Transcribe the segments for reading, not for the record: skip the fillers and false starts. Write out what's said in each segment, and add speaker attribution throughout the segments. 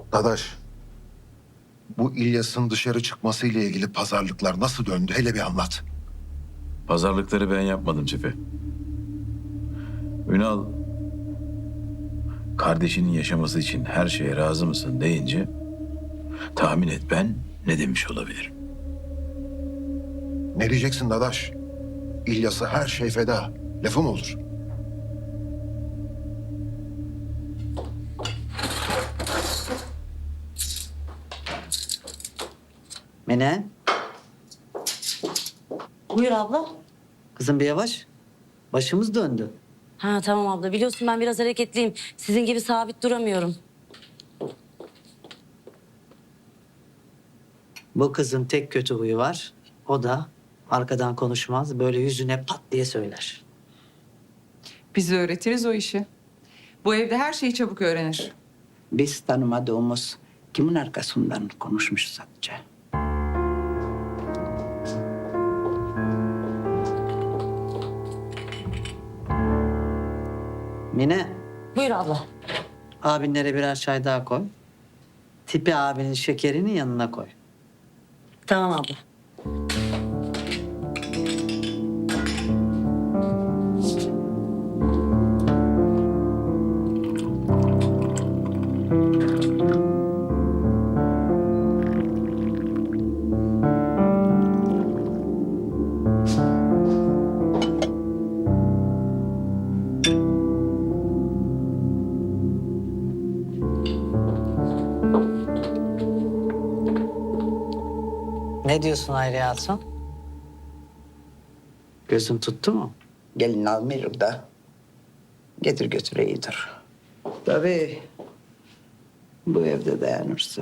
Speaker 1: Dadaş, bu İlyas'ın dışarı çıkmasıyla ilgili pazarlıklar nasıl döndü? Hele bir anlat.
Speaker 2: Pazarlıkları ben yapmadım Cefe. Ünal, kardeşinin yaşaması için her şeye razı mısın deyince tahmin et ben ne demiş olabilirim.
Speaker 1: Ne diyeceksin Dadaş? İlyas'a her şey feda. Lafı mı olur?
Speaker 3: Mine,
Speaker 4: Buyur abla.
Speaker 3: kızım bir yavaş. Başımız döndü.
Speaker 4: Ha tamam abla. Biliyorsun ben biraz hareketliyim. Sizin gibi sabit duramıyorum.
Speaker 3: Bu kızın tek kötü huyu var. O da arkadan konuşmaz. Böyle yüzüne pat diye söyler.
Speaker 5: Biz öğretiriz o işi. Bu evde her şeyi çabuk öğrenir.
Speaker 6: Biz tanımadığımız kimin arkasından konuşmuş sadece.
Speaker 3: Mine,
Speaker 4: Buyur abla.
Speaker 3: abinlere birer çay daha koy. Tipi abinin şekerini yanına koy.
Speaker 4: Tamam abla.
Speaker 3: Ne diyorsun Hayriye Hatun? Gözün tuttu mu?
Speaker 6: Gelin almıyor da getir götür iyidir. Tabii bu evde dayanırsa.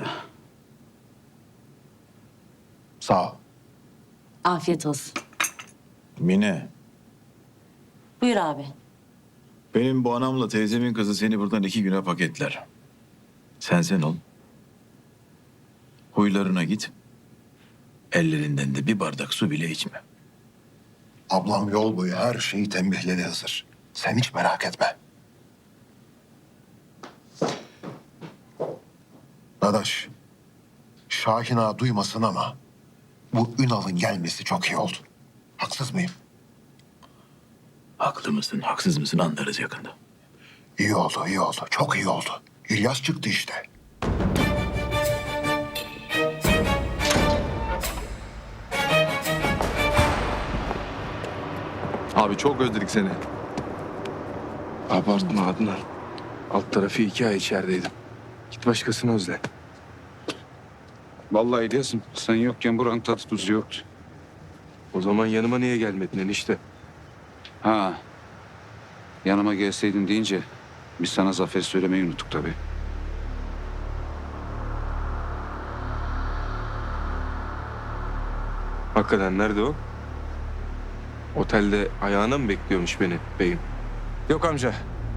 Speaker 1: Sağ ol.
Speaker 4: Afiyet olsun.
Speaker 2: Mine,
Speaker 4: Buyur abi.
Speaker 2: benim bu anamla teyzemin kızı seni buradan 2 güne paketler. Sen ol. Huylarına git. Ellerinden de bir bardak su bile içme.
Speaker 1: Ablam yol boyu her şeyi tembihledi hazır. Sen hiç merak etme. Dadaş, Şahin ağa duymasın ama bu Ünal'ın gelmesi çok iyi oldu. Haksız mıyım?
Speaker 2: Haklı mısın, haksız mısın anlarız yakında.
Speaker 1: İyi oldu, iyi oldu. Çok iyi oldu. İlyas çıktı işte.
Speaker 7: Abi çok özledik seni.
Speaker 8: Abartma Adnan. Alt tarafı 2 ay içerideydim. Git başkasını özle.
Speaker 9: Vallahi İlyas'ım sen yokken buranın tadı tuzu yoktu.
Speaker 8: O zaman yanıma niye gelmedin enişte?
Speaker 9: Ha, yanıma gelseydin deyince biz sana zafer söylemeyi unuttuk tabii.
Speaker 8: Hakikaten nerede o? Otelde ayağına mı bekliyormuş beni beyim?
Speaker 10: Yok amca.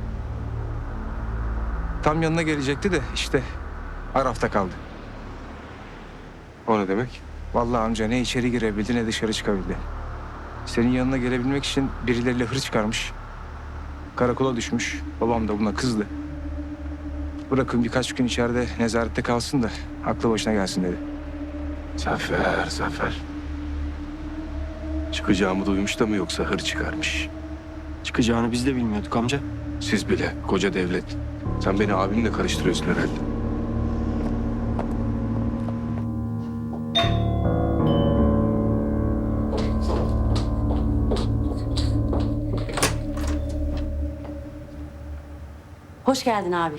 Speaker 10: Tam yanına gelecekti de işte Araf'ta kaldı.
Speaker 8: O ne demek?
Speaker 10: Vallahi amca ne içeri girebildi ne dışarı çıkabildi. Senin yanına gelebilmek için birileriyle hır çıkarmış. Karakola düşmüş. Babam da buna kızdı. Bırakın birkaç gün içeride nezarette kalsın da aklı başına gelsin dedi.
Speaker 8: Zafer, Zafer. Çıkacağımı duymuş da mı yoksa hır çıkarmış?
Speaker 10: Çıkacağını biz de bilmiyorduk amca.
Speaker 8: Siz bile, koca devlet. Sen beni abimle karıştırıyorsun herhalde.
Speaker 4: Hoş geldin abi.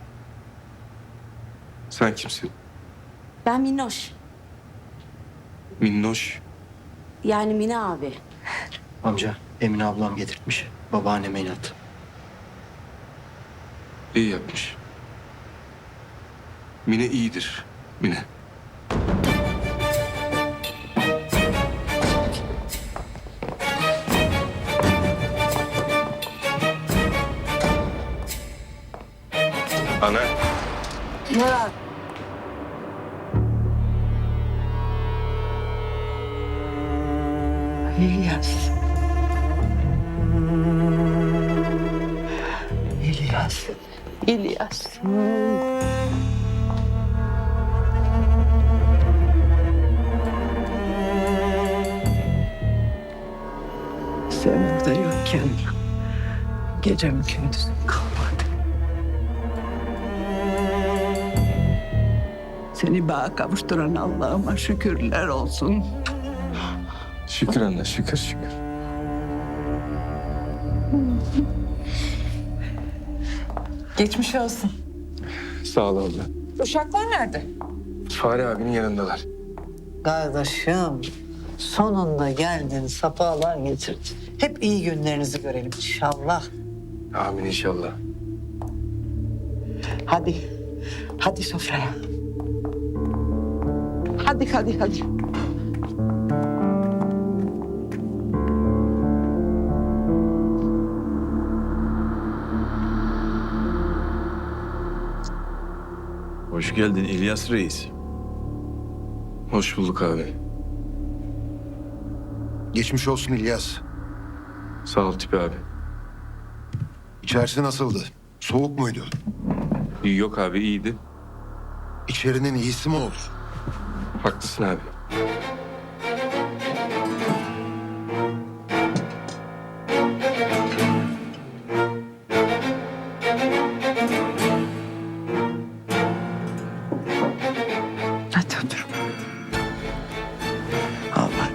Speaker 8: Sen kimsin?
Speaker 4: Ben Minnoş.
Speaker 8: Minnoş.
Speaker 4: Yani Mine abi.
Speaker 10: Amca Emine ablam getirtmiş. Babaanneme inat.
Speaker 8: İyi yapmış. Mine iyidir. Mine. Ana.
Speaker 3: Ne var?
Speaker 6: İlyas. İlyas. İlyas. için gecem gündüzüm kalmadı. Seni bağa kavuşturan Allah'ıma şükürler olsun.
Speaker 8: Şükür anne, şükür şükür.
Speaker 5: Geçmiş olsun.
Speaker 8: Sağ ol abla.
Speaker 5: Uşaklar nerede?
Speaker 8: Fahri abinin yanındalar.
Speaker 3: Kardeşim, sonunda geldin, safalar getirdin. Hep iyi günlerinizi görelim inşallah.
Speaker 8: Amin inşallah.
Speaker 6: Hadi, hadi sofraya. Hadi.
Speaker 2: Hoş geldin İlyas Reis.
Speaker 8: Hoş bulduk abi.
Speaker 1: Geçmiş olsun İlyas.
Speaker 8: Sağ ol Tipi abi.
Speaker 1: İçerisi nasıldı? Soğuk muydu?
Speaker 8: İyi yok abi, iyiydi.
Speaker 1: İçerinin iyisi mi olur?
Speaker 8: Haklısın abi.
Speaker 6: Hadi otur. Allah.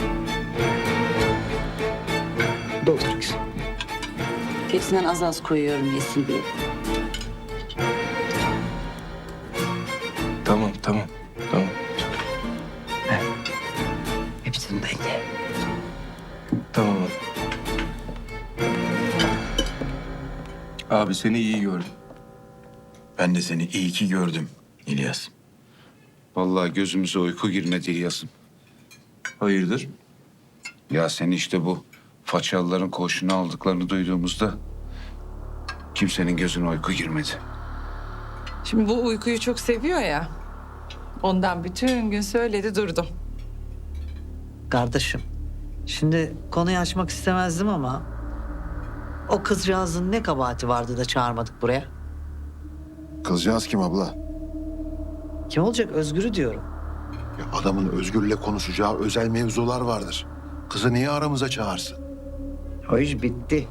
Speaker 6: Doldur kızım.
Speaker 4: Tepsinden az az koyuyorum yesin diye.
Speaker 8: Tamam.
Speaker 6: Hepsinden ye.
Speaker 8: Tamam abi. Abi seni iyi gördüm.
Speaker 2: Ben de seni iyi ki gördüm İlyas.
Speaker 9: Vallahi gözümüze uyku girmedi İlyas'ım.
Speaker 8: Hayırdır?
Speaker 9: Ya seni işte bu Façalıların koğuşuna aldıklarını duyduğumuzda kimsenin gözüne uyku girmedi.
Speaker 5: Şimdi bu uykuyu çok seviyor ya. Ondan bütün gün söyledi durdum.
Speaker 3: Kardeşim, şimdi konuyu açmak istemezdim ama... ...o kızcağızın ne kabahati vardı da çağırmadık buraya?
Speaker 1: Kızcağız kim abla?
Speaker 3: Kim olacak? Özgür'ü diyorum.
Speaker 1: Ya adamın Özgür'le konuşacağı özel mevzular vardır. Kızı niye aramıza çağırsın?
Speaker 6: O iş bitti.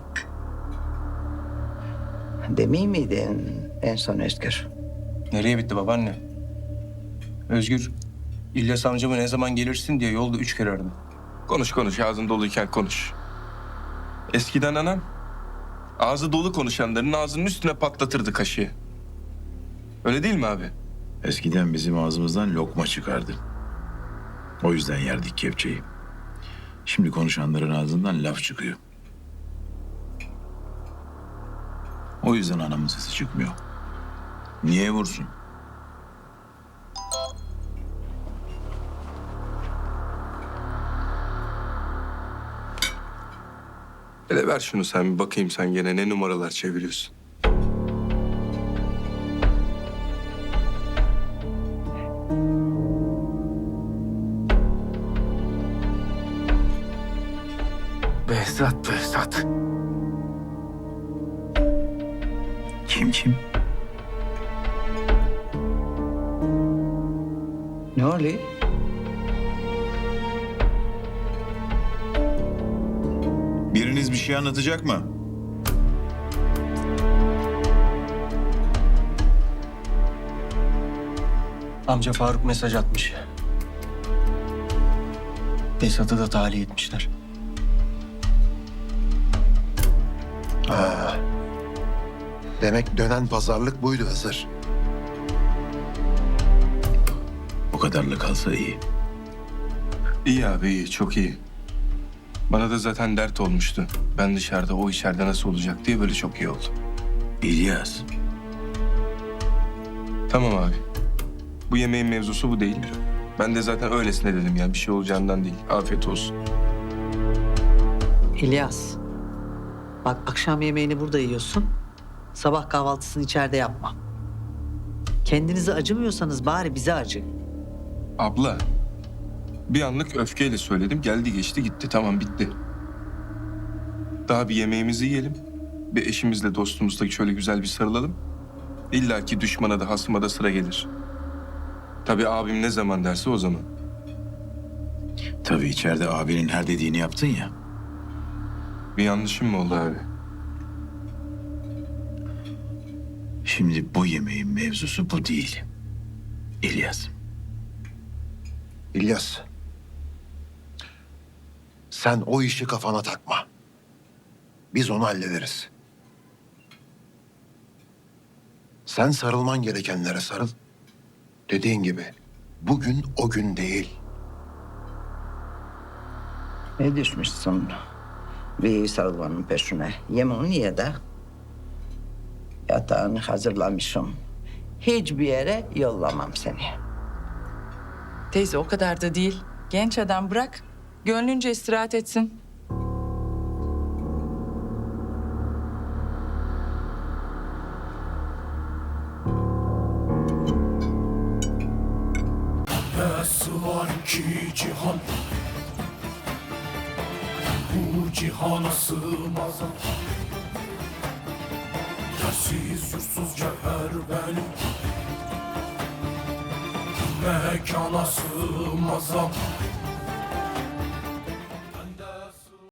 Speaker 6: Demeyeyim miydin en son Özgür?
Speaker 10: Nereye bitti babaanne? Özgür, İlyas amcama ne zaman gelirsin diye yolda 3 kere aradı.
Speaker 8: Konuş ağzın doluyken konuş. Eskiden anam ağzı dolu konuşanların ağzının üstüne patlatırdı kaşığı. Öyle değil mi abi?
Speaker 2: Eskiden bizim ağzımızdan lokma çıkardı. O yüzden yerdik kepçeyi. Şimdi konuşanların ağzından laf çıkıyor. O yüzden anamın sesi çıkmıyor. Niye vursun?
Speaker 8: Hele ver şunu sen bir bakayım, sen gene ne numaralar çeviriyorsun.
Speaker 10: Behzat.
Speaker 2: Kim?
Speaker 6: Ne oluyor?
Speaker 2: Biriniz bir şey anlatacak mı?
Speaker 10: Amca Faruk mesaj atmış. Behzat'ı da tahliye etmişler.
Speaker 1: Demek dönen pazarlık buydu Hızır.
Speaker 2: O kadarla kalsa iyi.
Speaker 8: İyi abi, iyi, çok iyi. Bana da zaten dert olmuştu. Ben dışarıda, o içeride nasıl olacak diye, böyle çok iyi oldu.
Speaker 2: İlyas,
Speaker 8: Tamam abi. Bu yemeğin mevzusu bu değil. Ben de zaten öylesine dedim ya, bir şey olacağından değil. Afiyet olsun.
Speaker 3: İlyas, bak akşam yemeğini burada yiyorsun. Sabah kahvaltısını içeride yapma. Kendinize acımıyorsanız bari bize acıyın.
Speaker 8: Abla, bir anlık öfkeyle söyledim. Geldi geçti gitti, tamam bitti. Daha bir yemeğimizi yiyelim. Bir eşimizle dostumuzla şöyle güzel bir sarılalım. İlla ki düşmana da hasıma da sıra gelir. Tabii abim ne zaman derse o zaman.
Speaker 2: tabii içeride abinin her dediğini yaptın ya.
Speaker 8: Bir yanlışım mı oldu abi?
Speaker 2: Şimdi bu yemeğin mevzusu bu değil. İlyas.
Speaker 1: İlyas. Sen o işi kafana takma. Biz onu hallederiz. Sen sarılman gerekenlere sarıl. Dediğin gibi bugün o gün değil.
Speaker 6: Ne düşmüşsün bir sarılmanın peşine? Yemeğini ye de. Yatağını hazırlamışım. Hiçbir yere yollamam seni.
Speaker 5: Teyze o kadar da değil. Genç adam bırak. Gönlünce istirahat etsin.
Speaker 11: Nasıl var ki cihan, bu cihana sığmaz. Yersiz yursuz cevher benim, mekana sığmaz.